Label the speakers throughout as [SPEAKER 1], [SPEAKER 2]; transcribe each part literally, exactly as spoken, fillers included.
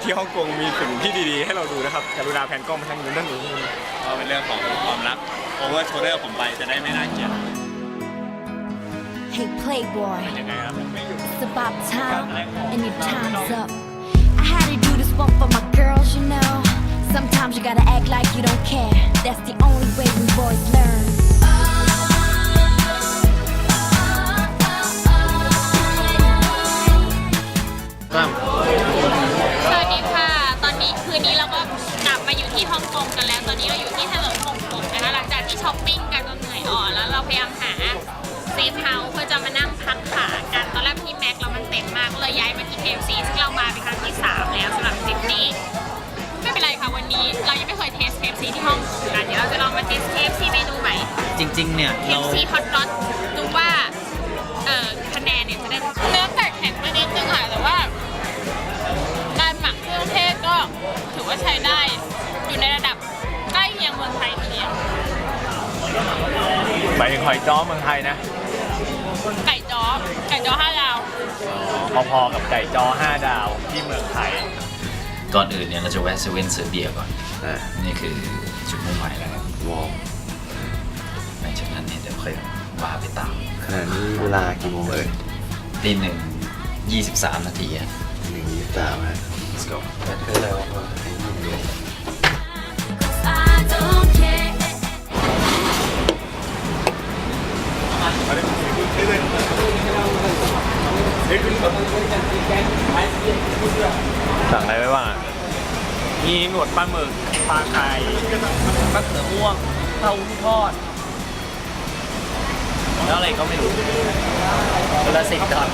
[SPEAKER 1] ที่ฮ่องกงมีสิ่งที่ดีๆให้เราดูนะครับกรุณาแพนกล้องมาทางนู้นด้านนู้น
[SPEAKER 2] ก็เป็นเรื่องของความรักโอเวอร์โชเดอร์ผมไปจะได้ไม่น่าเกลียด
[SPEAKER 3] Hey Playboy,
[SPEAKER 2] ยังไงครับ
[SPEAKER 3] it's about time and your time's up. I had to do this one for my girls, you know. Sometimes you gotta act like you don't care. That's the only way we boys learn.
[SPEAKER 4] สวัสดีค่ะ ตอนนี้คืนนี้เราก็กลับมาอยู่ที่ฮ่องกงกันแล้ว ตอนนี้เราอยู่ที่ถนนฮ่องกงนะคะหลังจากที่ช้อปปิ้งกันจนเหนื่อยอ่อนแล้วเราพยายามหาเซฟเฮาส์เพื่อจะมานั่งพักขากัน ตอนแรกที่แม็กเรามันเต็มมากก็เลยย้ายมาที่ เค เอฟ ซี ซึ่งเรามาเป็นครั้งที่สามแล้วสำหรับทริปนี้ไม่เป็นไรค่ะวันนี้เรายังไม่เคยเทส เค เอฟ ซี ที่ฮ่องกงกันเดี๋ยวเราจะลองมาเทส เค เอฟ ซี เมนูใหม่
[SPEAKER 5] จริงๆเนี่ย
[SPEAKER 4] เค
[SPEAKER 5] เรา
[SPEAKER 4] เอฟ ซี ฮอตดอทดูว่าเอ่อคะแนนเนี่ยจะได้เนื้อไก่แข็งไปนิดนึงค่ะแต่ว่าการหมักเครื่องเทศก็ถือว่าใช้ได้อยู่ในระดับใกล้เคียงเมืองไทยทีเดียว
[SPEAKER 1] หมายถึงหอยจ้อเมืองไทยนะ
[SPEAKER 4] ไก่จ้อไก่จ้อห้าดาว
[SPEAKER 1] พอๆกับไก่จ้อห้าดาวที่เมืองไทย
[SPEAKER 5] ก่อนอื่นเนี่ยเราจะแวะเซเว่นซื้อเบียร์ก่อนนี่คือจุดมุ่งหมายแล้วครับวอลหลังจากนั้นเนี่ยเดี๋ยวค่อยว่าไปตาม
[SPEAKER 6] ขณะนี้เวลากี่โมงเอ่ย
[SPEAKER 5] ตีหนึ่งยี่สิบสามนาทีอะ
[SPEAKER 6] หนึ่งยี่สิบสามฮะ
[SPEAKER 5] let's go
[SPEAKER 6] แต่คืออะไรวะไอ้นี่เดียว
[SPEAKER 3] I don't care.
[SPEAKER 1] สั่งอะไรไว้บ้างอ่ะมีหนวดปลาหมึกปลาไข่มะเขือม่วงเต้าหู้ทอดแล้วอะไรก็ไม่รู้คนละสิบดอล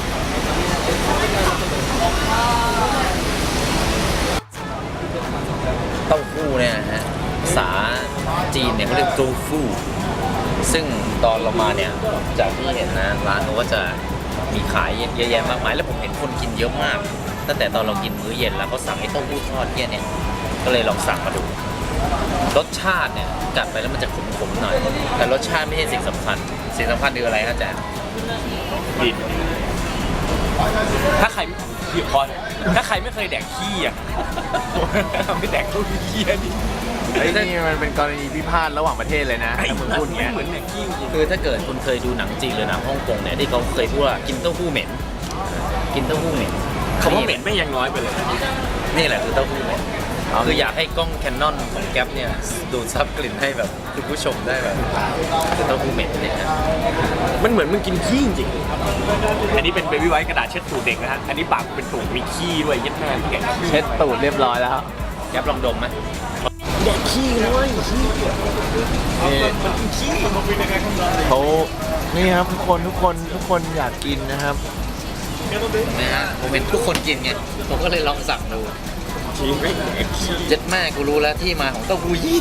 [SPEAKER 5] เต้าหู้เนี่ยนะฮะภาษาจีนเนี่ยเขาเรียกโจฟู่ซึ่งตอนเรามาเนี่ยจากที่เห็นนะร้านเขาก็จะมีขายเยอะแยะมากมายแล้วผมเห็นคนกินเยอะมากตั้งแต่ตอนเรากินมื้อเย็นแล้วเขาสั่งไอ้เต้าหู้ทอดเนี่ยเนี่ยก็เลยลองสั่งมาดูรสชาติเนี่ยกัดไปแล้วมันจะขมๆหน่อยแต่รสชาติไม่ใช่สิ่งสำคัญสิ่งสำคัญคืออะไรฮะอาจารย์
[SPEAKER 1] ดินถ้าใครพี่พอถ้าใครไม่เคยแดกขี้อ่ะไม่แดกตู้ขี้นี่ไอ้นี่มันเป็นกรณีพิพาทระหว่างประเทศเลยนะถ้ามึงพูดอย่างเงี้ยเหมือนแดกขี้จริง
[SPEAKER 5] คือถ้าเกิดคุณเคยดูหนังจีนหรือหนังฮ่องกงเนี่ยที่เขาเคยพูดว่ากินเต้าหู้เหม็นกินเต้าหู้เหม็น
[SPEAKER 1] คำว่าเหม็นไม่ยังน้อยไปเลย
[SPEAKER 5] นี่แหละคือเต้าหู้เหม็นคืออยากให้กล้องแคนนอนของแก๊ปเนี่ยดูดซับกลิ่นให้แบบคุณผู้ชมได้แบบคือเต้าหู้เหม็นเนี่ยนะ
[SPEAKER 1] มันเหมือนมึงกินขี้จริงอันนี้เป็นเบบี้ไวท์กระดาษเช็ดตูดเด็กนะฮะอันนี้ปากเป็นตูดมีขี้ด้วยยัดแม่แกะเช็ดตูดเรียบร้อยแล้ว
[SPEAKER 5] แก๊ปลองดมไหม
[SPEAKER 1] แดกขี้เลยขี้มันขี้มันเป็นยังไงครับ
[SPEAKER 6] เขานี่ครับทุกคนทุกคนทุกคนอยากกินนะครับ
[SPEAKER 5] นะฮะผมเห็นทุกคนกินไงผมก็เลยลองสั่งดู
[SPEAKER 1] ขี้ไม่ขี้
[SPEAKER 5] เจ็ดแม่กูรู้แล้วที่มาของเต้าหู้ยี่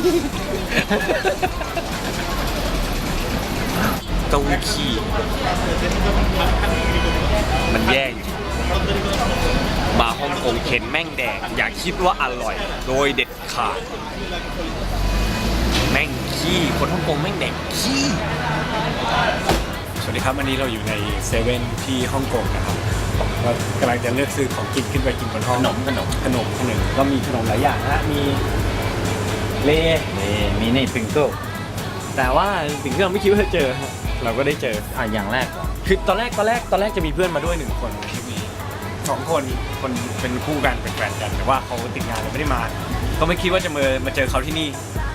[SPEAKER 1] เต้าหู้ขี้มันแย่อยู่มาฮ่องกงเข็นแม่งแดกอย่าคิดว่าอร่อย โดยเด็ดขาดแม่งขี้คนฮ่องกงแม่งแดกขี้สวัสดีครับวันนี้เราอยู่ในเซเว่นที่ฮ่องกงนะครับก็กำลังจะเลือกซื้อของกินขึ้นไปกินบนห้อง
[SPEAKER 5] ขนมขนม
[SPEAKER 1] ขนมขนมก็มีขนมหลายอย่างนะมีเล
[SPEAKER 5] นี่มีนี่ปิงเกิล
[SPEAKER 1] แต่ว่าสิ่งที่เราไม่คิดว่าจะเจอฮะเราก็ได้เจอ
[SPEAKER 5] อ่ะอย่างแรกก่อน
[SPEAKER 1] คือตอนแรกตอนแรกตอนแรกจะมีเพื่อนมาด้วยหนึ่งคนสองคนคนเป็นคู่กันเป็นแฟนกันแต่ว่าเขาติดงานเลยไม่ได้มา ก็ไม่คิดว่าจะมามาเจอเขาที่นี่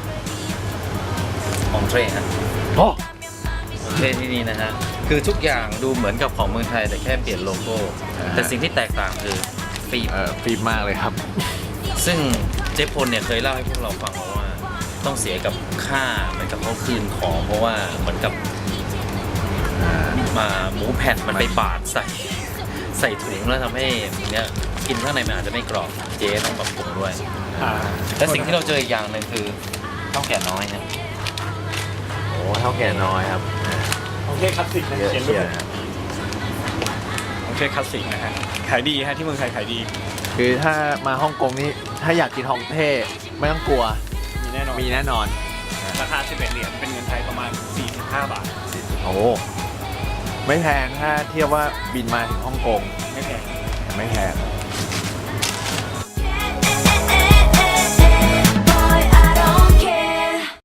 [SPEAKER 5] ของเทรฮะ
[SPEAKER 1] โอ้
[SPEAKER 5] ของเทรที่นี่นะฮะคือทุกอย่างดูเหมือนกับของเมืองไทยแต่แค่เปลี่ยนโลโก้แต่สิ่งที่แตกต่างคือฟิล์ม
[SPEAKER 6] เออฟีบมากเลยครับ
[SPEAKER 5] ซึ่งเจ๊พลเนี่ยเคยเล่าให้พวกเราฟังว่าต้องเสียกับค่าเหมือนกับเขาคืนของเพราะว่าเหมือนกับมาหมูแผ่นมันไปบาดใส่ใส่ถุงแล้วทำให้เนี้ยกินข้างในมันอาจจะไม่กรอบเจ๊ต้องปรับปรุงด้วย
[SPEAKER 1] อ่า
[SPEAKER 5] และสิ่งที่เราเจออีกอย่างหนึ่งคือข้าวแก่น้อยนะ
[SPEAKER 6] โอ้เท่าแก่น้อยครับ
[SPEAKER 1] โอเคคลาสสิกนะ
[SPEAKER 6] เยอะ
[SPEAKER 1] เขียนรู
[SPEAKER 6] เชีย
[SPEAKER 1] ป
[SPEAKER 6] ร์ครับ
[SPEAKER 1] โอเคคลาสสิกนะฮะขายดีฮะที่เมืองไทยขายดี
[SPEAKER 6] คือถ้ามาฮ่องกงนี่ถ้าอยากกินฮ่องเท่ไม่ต้องกลัว
[SPEAKER 1] มีแน่นอน
[SPEAKER 6] มีแน่นอน
[SPEAKER 1] ราคาสิบเอ็ดเหรียญเป็นเงินไทยประมาณสี่สิบห้าบาท
[SPEAKER 6] โอ้ไม่แพงถ้าเทียบว่าบินมาถึงฮ่องกง
[SPEAKER 1] ไม่แพง
[SPEAKER 6] ไม่แพง